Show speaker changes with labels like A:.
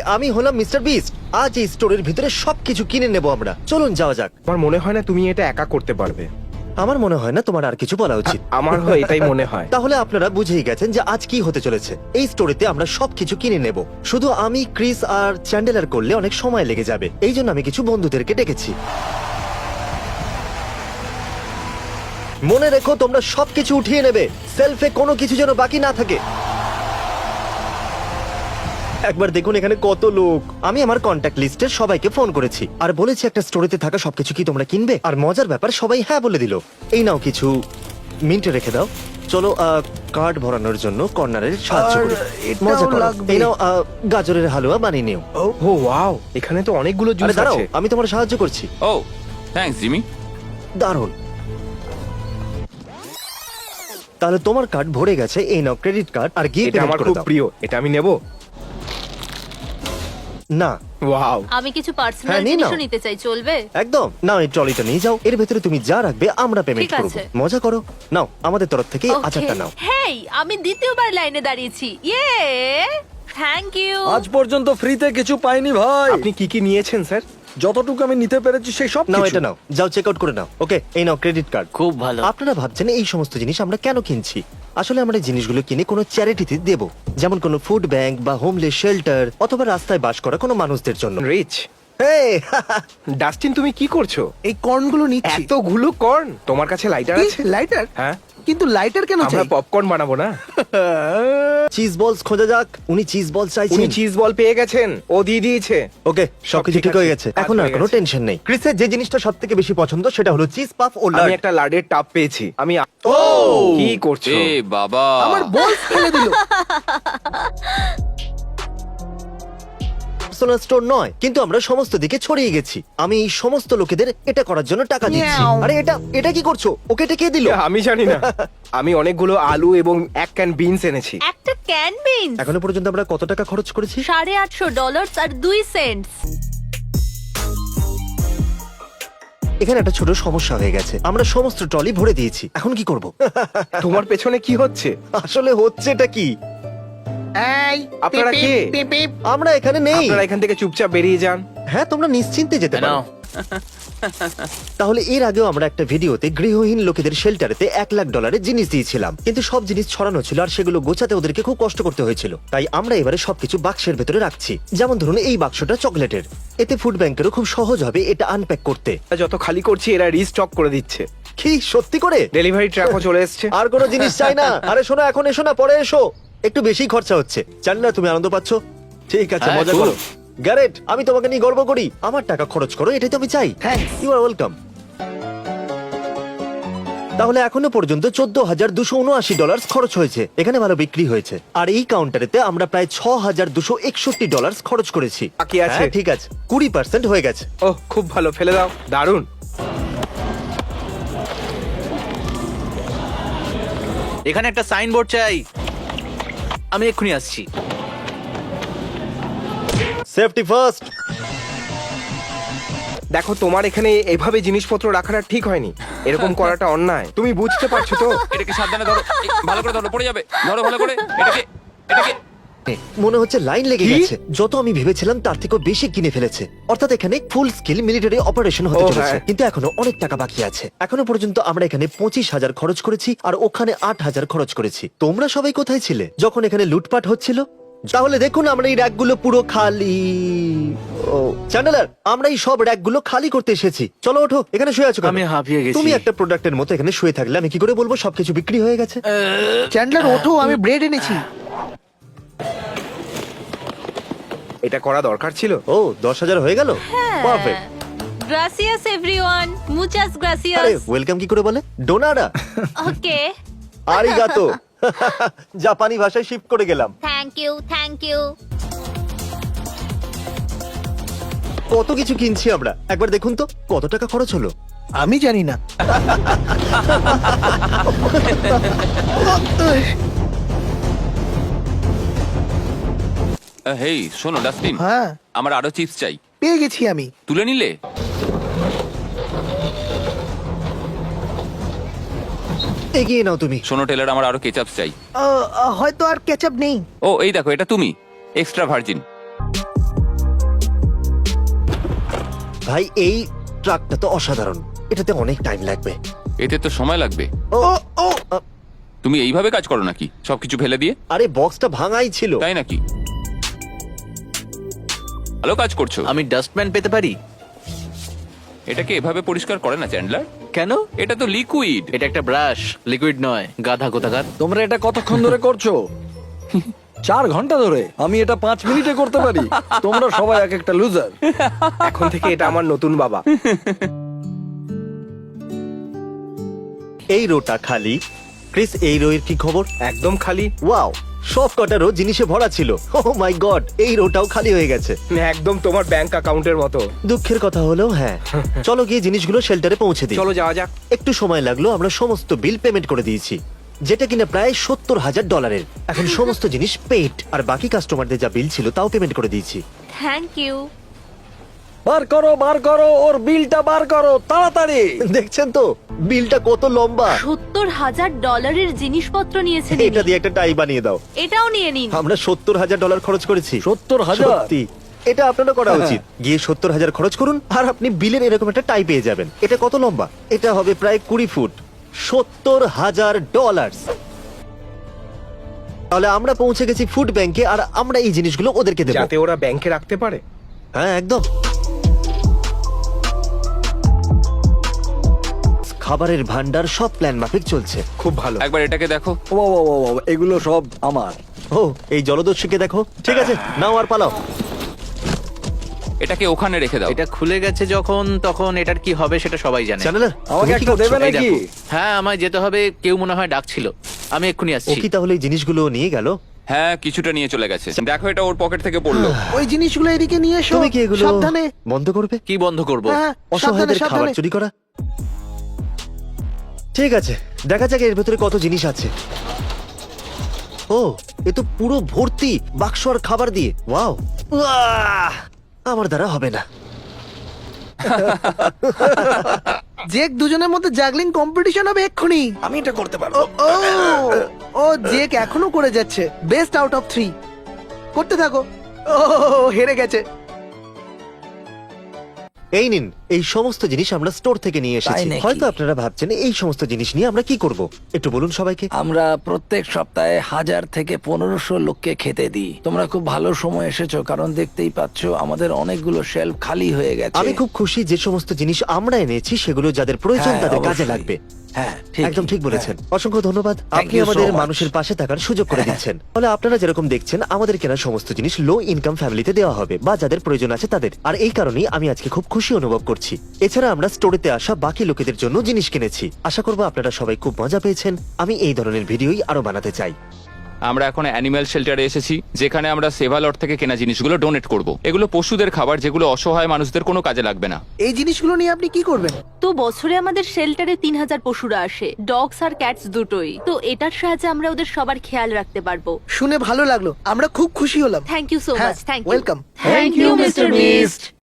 A: আমি হলাম mister beast. আজ এই স্টোরের ভিতরে সবকিছু কিনে নেব আমরা। চলুন যাওয়া যাক।
B: আমার মনে হয় না তুমি এটা একা করতে পারবে।
A: আমার মনে হয় না তোমার আর কিছু বলা উচিত।
B: আমারও এটাই মনে হয়।
A: তাহলে আপনারা বুঝেই গেছেন যে আজ কি হতে চলেছে। এই স্টোরিতে আমরা সবকিছু কিনে নেব। শুধু আমি, ক্রিস আর চ্যান্ডেলার করলে অনেক সময় লেগে যাবে। এই জন্য আমি কিছু বন্ধুদেরকে ডেকেছি। মনে রেখো তোমরা সবকিছু উঠিয়ে নেবে। সেলফে কোনো কিছু যেন বাকি না থাকে। একবার দেখুন এখানে কত লোক। আমি আমার কন্ট্যাক্ট লিস্টের সবাইকে ফোন করেছি আর বলেছি একটা স্টোরিতে থাকা সবকিছু কি তোমরা কিনবে। আর মজার ব্যাপার, সবাই হ্যাঁ বলে দিল। এই নাও কিছু মিন্টে রেখে দাও। চলো কার্ড ভরানোর জন্য কর্নারের সাহায্য করি।
C: এটাও
A: মজা করো।
C: লাগবে।
A: এই নাও গাজরের হালুয়া বানিয়ে নিও।
B: ও ওয়াও, এখানে তো অনেকগুলো
A: আরে
B: জুস
A: দাঁড়াও,
B: আছে।
A: আমি তোমার সাহায্য করছি।
D: ও থ্যাঙ্কস জিমি।
A: দারুণ। তাহলে তোমার কার্ড ভরে গেছে। এই নাও ক্রেডিট কার্ড আর গিয়ে
B: এটা আমার
A: পেমেন্ট করে
B: খুব
A: দাও।
B: প্রিয়, এটা আমি নেব।
A: না
B: ওয়াও,
E: আমি কিছু পার্সোনাল
A: হ্যাঁ, নিয়ে নাও।
E: জিনিসও নিতে চাই, চলবে?
A: একদম। নাও এই ট্রলিটা নিয়ে যাও। এর ভেতরে তুমি যা রাখবে আমরা পেমেন্ট
E: ঠিক
A: করব।
E: আছে।
A: মজা করো। নাও আমাদের তরফ থেকে
E: Okay.
A: আচারটা নাও।
E: হেই, আমি দ্বিতীয়বার লাইনে দাঁড়িয়েছি। ইয়ে! Thank you.
C: আজ পর্যন্ত ফ্রিতে কিছু পাইনি ভাই।
B: আপনি কি কি নিয়েছেন স্যার?
C: যতটুকু আমি নিতে পেরেছি সেই সব
A: নাও
C: কিছু।
A: এটা নাও, যাও চেক আউট করে নাও। ওকে, এই নাও ক্রেডিট কার্ড।
F: খুব ভালো।
A: আপনারা ভাবছেন এই সমস্ত জিনিস আমরা কেন কিনছি। আসলে আমরা এই জিনিসগুলো কিনে কোনো চ্যারিটিতে দেব, যেমন কোনো ফুড ব্যাংক বা হোমলেস শেল্টার অথবা রাস্তায় বাস করা কোনো মানুষদের জন্য।
B: রিচ।
A: Hey!
B: ডাস্টিন, তুমি কি করছো?
C: এই কর্নগুলো নিচ্ছি।
B: এতগুলো কর্ন? তোমার কাছে লাইটার আছে?
C: লাইটার?
B: হ্যাঁ,
C: কিন্তু লাইটার কেন
B: আমরা
C: চাই?
B: পপকর্ন বানাবো না?
A: চিজ বলস খোঁজা যাক। উনি চিজ বল
B: উনি
A: চাইছেন।
B: চিজ বল পেয়ে গেছেন, ও দিয়ে দিয়েছে।
A: ওকে, সবকিছু
B: ঠিক
A: ঠিক হয়ে
B: আছে,
A: গেছে।
B: কাজ
A: এখন আর
B: হয়ে
A: কোনো
B: গেছে।
A: টেনশন নেই। ক্রিসের যে জিনিসটা সবথেকে বেশি পছন্দ সেটা হলো চিজ পাফ ও
B: আমি
A: লার্ড।
B: একটা লাডের টাব পেয়েছি। আমি কি করছো?
D: এ বাবা,
C: আমার বল ফেলে দিল।
A: পার্সোনাল স্টোর নয়, কিন্তু আমরা সমস্ত দিকে ছড়িয়ে গেছি। আমি এই সমস্ত লোকেদের এটা করার জন্য টাকা দিচ্ছি।
C: মিয়াও।
A: আরে এটা কি করছো? ওকে এটা কে দিল?
B: আমি জানি না। আমি অনেকগুলো আলু এবং এক ক্যান বিনস এনেছি।
E: একটা ক্যান বিনস
A: এখনো পর্যন্ত আমরা কত টাকা খরচ করেছি?
E: $850 আর 2 সেন্টস।
A: এখানে একটা ছোট সমস্যা হয়ে গেছে। আমরা সমস্ত ট্রলি ভরে দিয়েছি। এখন কি করব?
B: তোমার পেছনে কি হচ্ছে?
A: আসলে হচ্ছেটা কি?
C: এই,
B: আপনারা
C: পিপ,
B: কে?
C: পিপ, পিপ।
A: আমরা এখানে নেই।
B: আপনারা এখান থেকে চুপচাপ বেরিয়ে যান।
A: হ্যাঁ, তোমরা নিশ্চিন্তে যেতে পারো।
F: নাও।
A: তাহলে এর আগেও আমরা একটা ভিডিওতে গৃহহীন লোকেদের শেল্টারেতে $1,00,000 জিনিস দিয়েছিলাম, কিন্তু সব জিনিস ছড়ানো ছিল আর সেগুলো গোছাতে ওদেরকে খুব কষ্ট করতে হয়েছিল। তাই আমরা এবারে সবকিছু বাক্সের ভেতরে রাখছি। যেমন ধরুন এই বাক্সটা চকলেটের। এতে ফুড ব্যাংকেরও খুব সহজ হবে এটা আনপ্যাক করতে।
B: যত খালি করছি এরা রিস্টক করে দিচ্ছে।
A: কি সত্যি করে?
B: ডেলিভারি ট্রাকও চলে এসেছে।
A: আর কোনো জিনিস চাই না। আরে শোনো, এখন এসো না, পরে এসো। একটু বেশি খরচা হচ্ছে। চ্যান্ডলার, তুমি আনন্দ পাচ্ছো? ঠিক আছে,
F: হ্যাঁ,
A: মজা
F: খুব।
A: করো। গ্যারেট, আমি তোমাকে নিয়ে গর্ব করি। আমার টাকা খরচ করো, এটাই তো আমি চাই।
C: Thanks.
A: You are welcome. তাহলে এখনো পর্যন্ত $14,279 খরচ হয়েছে। এখানে ভালো বিক্রি হয়েছে। আর এই কাউন্টারেতে আমরা প্রায় $6,261 খরচ করেছি।
B: বাকি আছে।
A: হ্যাঁ, ঠিক আছে, 20% হয়ে গেছে।
B: ওহ, খুব ভালো, ফেলে দাও। দারুণ।
F: এখানে একটা সাইনবোর্ড চাই। আমি এক্ষুনি আসছি।
A: Safety first.
B: দেখো, তোমার এখানে এভাবে জিনিসপত্র রাখাটা ঠিক হয়নি। এরকম করাটা অন্যায়। তুমি বুঝতে পারছো তো?
D: এটাকে সাবধানে ধরো, ভালো করে ধরো, পড়ে যাবে। ধরো ভালো করে এটাকে।
A: মনে হচ্ছে লাইন লেগে
B: কি?
A: গেছে। যত আমি ভেবেছিলাম তার থেকেও বেশি কিনে ফেলেছে। অর্থাৎ এখানে ফুল স্কিল মিলিটারি অপারেশন হতে
B: ও,
A: চলেছে।
B: হ্যাঁ।
A: কিন্তু এখনো অনেক টাকা বাকি আছে। এখনো পর্যন্ত আমরা এখানে 25,000 খরচ করেছি আর ওখানে 8,000 খরচ করেছি। তোমরা সবাই কোথায় ছিলে যখন এখানে লুটপাট হচ্ছিল? তাহলে দেখুন, আমরা এই র্যাকগুলো পুরো খালি। ও চ্যান্ডেলার, আমরা এই সব র্যাকগুলো খালি করতে এসেছি। চলো ওঠো, এখানে শুয়ে আছো কেন?
F: আমি হাঁপিয়ে গেছি।
A: তুমি একটা প্রোডাক্টের মতো এখানে শুয়ে থাকলে আমি কি করে বলবো সবকিছু বিক্রি হয়ে গেছে?
C: চ্যান্ডলার ওঠো, আমি ব্রেড এনেছি।
B: এটা করা দরকার ছিল।
A: ও, 10,000 হয়ে গেল। পারফেক্ট।
E: গ্রাসিয়াস এভরিওয়ান, মুচাস
A: আরে
E: গ্রাসিয়াস।
A: ওয়েলকাম কি করে বলে? ডোনারা।
E: ওকে,
A: আরিগাতো। জাপানি ভাষায় শিফট করে গেলাম।
E: Thank you.
A: কত কিছু কিনছি আমরা, একবার দেখুন তো কত টাকা খরচ হলো।
C: আমি জানি না।
D: হেই শোনো ডাস্টিন,
C: হ্যাঁ,
D: আমার আরো চিপস চাই।
C: পেয়ে গেছি আমি।
D: তুলে নিলে?
A: এগিয়ে নাও তুমি।
D: শোনো টেলার, আমার আরো কেচাপ চাই।
C: হয়তো আর কেচাপ নেই।
D: ও এই দেখো, এটা তুমি, এক্সট্রা ভার্জিন।
A: ভাই এই ট্রাকটা তো অসাধারণ, এটাতে অনেক টাইম লাগবে।
D: এতে তো সময় লাগবে।
A: ও ও
D: তুমি এইভাবে কাজ করো নাকি, সবকিছু ফেলে দিয়ে?
A: আরে বক্সটা ভাঙাই ছিল।
D: তাই নাকি? ভালো কাজ করছো।
F: আমি ডাস্টম্যান পেতে পারি?
D: এটাকে এভাবে পরিষ্কার করে না চ্যান্ডলার?
F: কেন?
D: এটা তো লিকুইড।
F: এটা একটা ব্রাশ, লিকুইড নয়, গাধা কোথাকার।
G: তোমরা এটা কতক্ষণ ধরে করছো? 4 ঘন্টা ধরে। আমি এটা 5 মিনিটে করতে পারি। তোমরা সবাই এক একটা লুজার।
B: এখন থেকে এটা আমার নতুন বাবা।
A: এই রোটা খালি। ক্রিস, এই রোয়ের কি খবর?
B: একদম খালি।
A: ওয়াও, সব কটা রো জিনিসে ভরা ছিল। ও মাই গড, এই রোটাও খালি হয়ে গেছে।
B: একদম তোমার ব্যাংক অ্যাকাউন্টের মতো।
A: দুঃখের কথা হলেও হ্যাঁ। চলো গিয়ে জিনিসগুলো শেল্টারে পৌঁছে দিই।
B: চলো যাওয়া যাক।
A: একটু সময় লাগলো, আমরা সমস্ত বিল পেমেন্ট করে দিয়েছি, যেটা কিনা প্রায় $70,000। এখন সমস্ত জিনিস পেড, আর বাকি কাস্টমারদের যা বিল ছিল তাও পেমেন্ট করে দিয়েছি।
E: Thank you.
G: বার করো, ওর বিলটা বার করো তাড়াতাড়ি।
A: দেখছেন তো বিলটা কত লম্বা।
E: $70,000 জিনিসপত্র নিয়েছেন
A: এটা দিয়ে একটা টাই বানিয়ে দাও।
E: এটাও নিয়ে নিন।
A: আমরা $70,000 খরচ করেছি।
G: 70,000?
A: সত্যি, এটা আপনারও করা উচিত। গিয়ে 70,000 খরচ করুন আর আপনি বিলের এরকম একটা টাই পেয়ে যাবেন। এটা কত লম্বা? এটা হবে প্রায় 20 ফুট। $70,000। তাহলে আমরা পৌঁছে গেছি ফুড ব্যাংকে, আর আমরা এই জিনিসগুলো ওদেরকে দেবো।
B: যাতে ওরা ব্যাংকে রাখতে পারে।
A: হ্যাঁ একদম। খাবারের ভান্ডার সব প্ল্যান মাফিক চলছে।
B: খুব ভালো।
D: একবার এটাকে দেখো।
G: ও, এগুলো সব আমার।
A: ও, এই জলদস্যুকে দেখো। ঠিক আছে, নাও আর পালাও।
D: এটাকে ওখানে রেখে দাও।
F: এটা খুলে গেছে যখন, তখন এটার কি হবে সেটা সবাই জানে।
A: চ্যানেলার,
G: আমাকে
A: তুমি কি
G: একটা
A: করছো?
G: দেবে
F: এই
G: নাকি?
F: দেখো। হ্যাঁ, আমায় যেতে হবে, কেউ মনে হয় ডাকছিল। আমি এক্ষুনি
A: ও
F: আসছি।
A: কি তাহলে এই জিনিসগুলো নিয়ে গেল?
D: হ্যাঁ, কিছুটা নিয়ে চলে গেছে। দেখো, এটা ওর পকেট থেকে পড়লো।
C: ওই জিনিসগুলো এদিকে নিয়ে এসো।
A: তুমি কি এগুলো
C: সাবধানে।
A: বন্ধ করবে?
F: কি বন্ধ করব?
C: হ্যাঁ, সাবধানে
A: অসহায়দের খাবার
C: সাবধানে।
A: চুরি করা। ঠিক আছে, দেখা যাক এর ভেতরে কত জিনিস আছে। ও, এ তো পুরো ভর্তি বাক্স আর খাবার দিয়ে। ওয়াও, আমার দ্বারা হবে না।
C: জেক, দুজনের মধ্যে জাগলিং কম্পিটিশন হবে এক্ষুনি।
G: আমি এটা করতে পারবো।
C: ও ও জেক এখনো করে যাচ্ছে। বেস্ট আউট অফ 3 করতে থাকো। ও হেরে গেছে।
A: এই নিন, এই সমস্ত জিনিস আমরা স্টোর থেকে নিয়ে এসেছি।
G: তাই নাকি?
A: হয়তো আপনারা ভাবছেন এই সমস্ত জিনিস নিয়ে আমরা কি করব। একটু বলুন সবাইকে।
G: আমরা প্রত্যেক সপ্তাহে 1000 থেকে 1500 লোককে খেতে দিই। তোমরা খুব ভালো সময় এসেছো, কারণ দেখতেই পাচ্ছো আমাদের অনেকগুলো শেলফ খালি হয়ে গেছে।
A: আমি খুব খুশি যে সমস্ত জিনিস আমরা এনেছি সেগুলো যাদের প্রয়োজন
G: হ্যাঁ,
A: তাদের কাজে
G: অবশ্যই।
A: লাগবে।
G: হ্যাঁ,
A: একদম ঠিক বলেছেন। অসংখ্য ধন্যবাদ। আপনি
G: you so
A: আমাদের
G: much.
A: মানুষের পাশে থাকার সুযোগ করে দিচ্ছেন। তাহলে আপনারা যেরকম দেখছেন, আমাদের কেনা সমস্ত জিনিস লো ইনকাম ফ্যামিলিতে দেওয়া হবে, বা যাদের প্রয়োজন আছে তাদের। আর এই কারণেই আমি আজকে খুব খুশি অনুভব করছি। এছাড়া আমরা স্টোরেতে আসা বাকি লোকেদের জন্য জিনিস কিনেছি। আশা করবো আপনারা সবাই খুব মজা পেয়েছেন। আমি এই ধরনের ভিডিওই আরো বানাতে চাই।
D: আমরা এখন অ্যানিম্যাল শেল্টারে এসেছি, যেখানে আমরা সেভালট থেকে কেনা জিনিসগুলো ডোনেট করব। এগুলো পশুদের খাবার, যেগুলো অসহায় মানুষদের কোনো কাজে লাগবে না।
C: এই জিনিসগুলো নিয়ে আপনি কি করবেন?
E: তো বছরে আমাদের শেল্টারে 3000 পশুরা আসে, ডগস আর ক্যাটস দুটোই। তো এটার সাহায্যে আমরা ওদের সবার খেয়াল রাখতে পারবো।
C: শুনে ভালো লাগলো, আমরা খুব খুশি হলাম।
E: থ্যাংক ইউ সো
C: হ্যাঁ,
E: much. Thank you.
C: welcome.
E: Thank you mister beast.